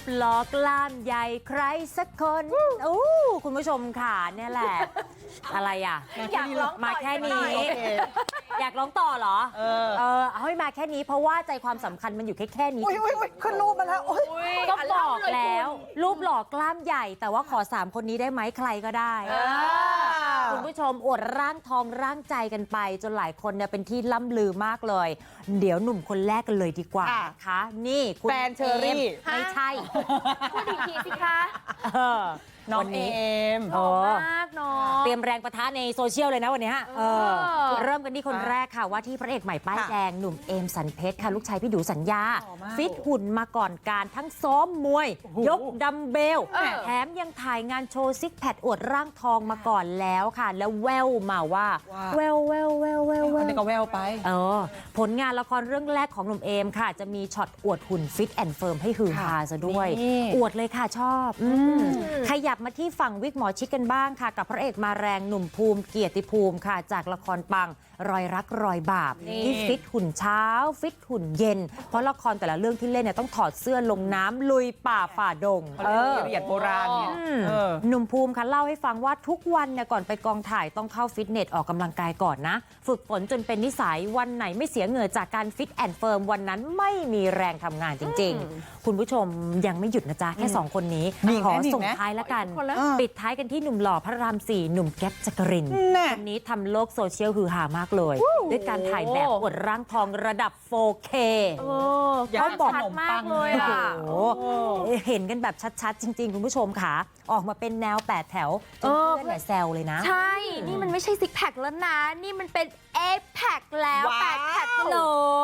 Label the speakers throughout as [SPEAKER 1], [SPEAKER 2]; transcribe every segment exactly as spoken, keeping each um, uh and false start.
[SPEAKER 1] ปหล่อกล้ามใหญ่ใครสักคนโอ้คุณผู้ชมค่ะเนี่ยแหละ อะไรอ่ะ
[SPEAKER 2] อยากร้อง
[SPEAKER 1] มาแค่นี้ อยากร้องต่อเหรอ เออเออเอาให้มาแค่นี้เพราะว่าใจความสำคัญมันอยู่แค่แค่นี้
[SPEAKER 3] อุ้ยอุ้ยอุ้ยขึ้นรูปมาแล้วโอ้ย
[SPEAKER 1] ก็บอกแล้ว รูปหล่อกล้ามใหญ่ แต่ว่าขอสามคนนี้ได้ไหมใครก็ได้คุณผู้ชมอวดร่างทองร่างใจกันไป จนหลายคนเนี่ยเป็นที่ล่ำลือมากเลย เดี๋ยวหนุ่มคนแรกกันเลยดีกว่านะคะนี่คุณ
[SPEAKER 3] แฟนเชอรี่
[SPEAKER 1] ไม่ใช่
[SPEAKER 2] พูดอีกทีสิคะ
[SPEAKER 1] เออ
[SPEAKER 3] น้อง
[SPEAKER 1] วัน
[SPEAKER 3] เอ
[SPEAKER 1] นี้
[SPEAKER 3] ม
[SPEAKER 1] โอ้
[SPEAKER 2] มากเนาะ
[SPEAKER 1] เตรียมแรงประทะในโซเชียลเลยนะวันนี้ฮะเออ
[SPEAKER 2] เออ
[SPEAKER 1] เริ่มกันที่คนแรกค่ะว่าที่พระเอกใหม่ป้าย
[SPEAKER 3] ค่ะ
[SPEAKER 1] แดงหนุ่มเอมสันเพชรค่ะลูกชายพี่ดูสัญญา
[SPEAKER 3] หล่อมาก
[SPEAKER 1] ฟิตหุ่นมาก่อนการทั้งซ้อมมวย
[SPEAKER 3] โอ้โห
[SPEAKER 1] ยกดัมเบล
[SPEAKER 2] เออ
[SPEAKER 1] แถมยังถ่ายงานโชว์ซิกแพคอวดร่างทองมาก่อนแล้วค่ะ แล้วแววมาว่า
[SPEAKER 3] ว่า
[SPEAKER 1] แววแววแววแววแว
[SPEAKER 3] อัน
[SPEAKER 1] ว
[SPEAKER 3] นี้ก็แววไป
[SPEAKER 1] เออผลงานละครเรื่องแรกของหนุ่มเอมค่ะ จะมีช็อตอวดหุ่นฟิตแอนด์เฟิร์มให้ฮือฮาซะด้วย
[SPEAKER 3] นี่
[SPEAKER 1] อวดเลยค่ะชอบอืมขยับมาที่ฝั่งวิกหมอชิดกันบ้างค่ะ กับพระเอกมาแรงหนุ่มภูมิเกียรติภูมิค่ะ จากละครปังรอยรักรอยบาป
[SPEAKER 3] นี่
[SPEAKER 1] ที่ฟิตหุ่นเช้า ฟิตหุ่นเย็น เพราะละครแต่ละเรื่องที่เล่นเนี่ยต้องถอดเสื้อลงน้ำลุยป่าฝ่าดง
[SPEAKER 3] เขาเรียกละเอียดโบราณเนี่ย
[SPEAKER 1] อืม
[SPEAKER 3] เออ
[SPEAKER 1] หนุ่มภูมิค่ะเล่าให้ฟังว่าทุกวันเนี่ยก่อนไปกองถ่ายต้องเข้าฟิตเนสออกกำลังกายก่อนนะ ฝึกฝนจนเป็นนิสัยวันไหนไม่เสียเหงื่อจากการฟิตแอนด์เฟิร์มวันนั้นไม่มีแรงทำงานจริง ๆ คุณผู้ชมยังไม่หยุดนะจ๊ะ แค่ 2 คนนี้
[SPEAKER 3] มีอีก
[SPEAKER 1] ข
[SPEAKER 3] ไหม
[SPEAKER 1] อ
[SPEAKER 3] มีอีก
[SPEAKER 1] ส่ง
[SPEAKER 3] ไหม
[SPEAKER 1] ท้ายแล้วกัน
[SPEAKER 2] คนละ
[SPEAKER 1] ปิดท้ายกันที่หนุ่มหล่อพระรามสี่หนุ่มแก๊ปจักรินทร์
[SPEAKER 3] แน่
[SPEAKER 1] คนนี้ทำโลกโซเชียลฮือฮามากเลย ด้วยการถ่ายแบบอวดร่างทองระดับ โฟร์เค
[SPEAKER 2] เออ
[SPEAKER 3] อยาก
[SPEAKER 2] เขาบอก
[SPEAKER 3] ขนม
[SPEAKER 2] มา
[SPEAKER 3] ปั
[SPEAKER 2] ก
[SPEAKER 3] ง
[SPEAKER 2] เลยอ่ะ
[SPEAKER 1] โอ้โหเห็นกันแบบชัดๆ จริง ๆ คุณผู้ชมค่ะ ออกมาเป็นแนวแปดแถวจนเพื่อนเนี่ยแซวเลยนะ
[SPEAKER 2] ใช่ นี่มันไม่ใช่ซิกแพคแล้วนะ นี่มันเป็นเอแพคแล้ว
[SPEAKER 3] ว้าว
[SPEAKER 2] แปดแพคเลย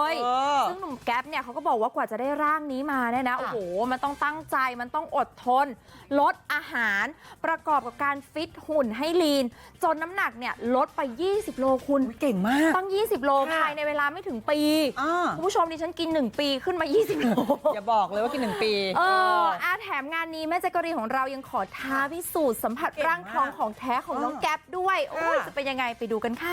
[SPEAKER 3] เออ
[SPEAKER 2] ซึ่งหนุ่มแก๊ปเนี่ยเขาก็บอกว่ากว่าจะได้ร่างนี้มาเนี่ยนะ โอ้โห มันต้องตั้งใจ มันต้องอดทน ลดอาหาร ประกอบกับการฟิตหุ่นให้ลีน จนน้ำหนักเนี่ยลดไป ยี่สิบ โลคุณ
[SPEAKER 3] เก่งมาก
[SPEAKER 2] ตั้ง ยี่สิบ โล
[SPEAKER 3] ค่ะ
[SPEAKER 2] ภายในเวลาไม่ถึงปี
[SPEAKER 3] อ่า
[SPEAKER 2] คุณผู้ชมดิฉันกิน หนึ่ง ปีขึ้นมา ยี่สิบ โล
[SPEAKER 3] อย่าบอกเลยว่ากินหนึ่งปี
[SPEAKER 2] เอออาแถมงานนี้แม่แจ๊กกะรีนของเรายังขอท้าพิสูจน์สัมผัส
[SPEAKER 3] เก่งมาก
[SPEAKER 2] ร่างทองของแท้ของน้อง
[SPEAKER 3] เออ
[SPEAKER 2] แก๊ปด้วย โอ้ย
[SPEAKER 3] ค่ะ
[SPEAKER 2] จะเป็นยังไงไปดูกันค่ะ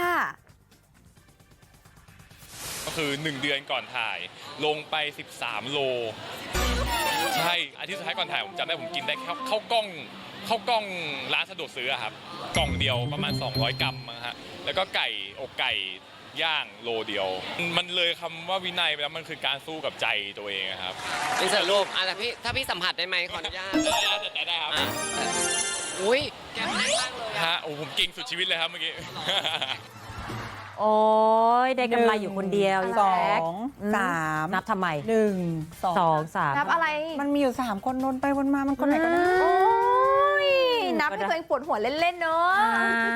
[SPEAKER 4] ก็คือหนึ่งเดือนก่อนถ่ายลงไปสิบสามโลใช่อาทิตย์สุดท้ายก่อนถ่ายผมจำได้ผมกินได้แค่ข้าวกล้องข้าวกล้องร้านสะดวกซื้ออะครับกล่องเดียวประมาณสองร้อยกรัมมั้งฮะแล้วก็ไก่อกไก่ย่างโลเดียว มันเลยคำว่าวินัยไปแล้วมันคือการสู้กับใจตัวเองอะครับ
[SPEAKER 5] เป็นเสิร์ฟรูปอ่ะแต่พี่ถ้าพี่สัมผัสได้ไหมขออนุญาต
[SPEAKER 4] ได้ได้ครับ
[SPEAKER 5] อ่ะอุ้ยแก้มแน่นมากเลย
[SPEAKER 4] ฮะโอ้ผมเก่งสุดชีวิตเลยครับเมื่อกี้
[SPEAKER 1] โอ้ยได้กำไรอยู่คนเดียว
[SPEAKER 3] สอ
[SPEAKER 1] แจ๊ค
[SPEAKER 3] ง
[SPEAKER 1] อืม
[SPEAKER 3] สาม
[SPEAKER 1] นับทำไม
[SPEAKER 3] หนึ่งสอง
[SPEAKER 1] สองสาม
[SPEAKER 2] นับอะไร
[SPEAKER 3] มันมีอยู่สามคนวนไปวนมามันคนไหนก็ได้
[SPEAKER 2] โอ้ยนับให้ตัวเองปวดหัวเล่น ๆ เนอะ
[SPEAKER 1] อ่า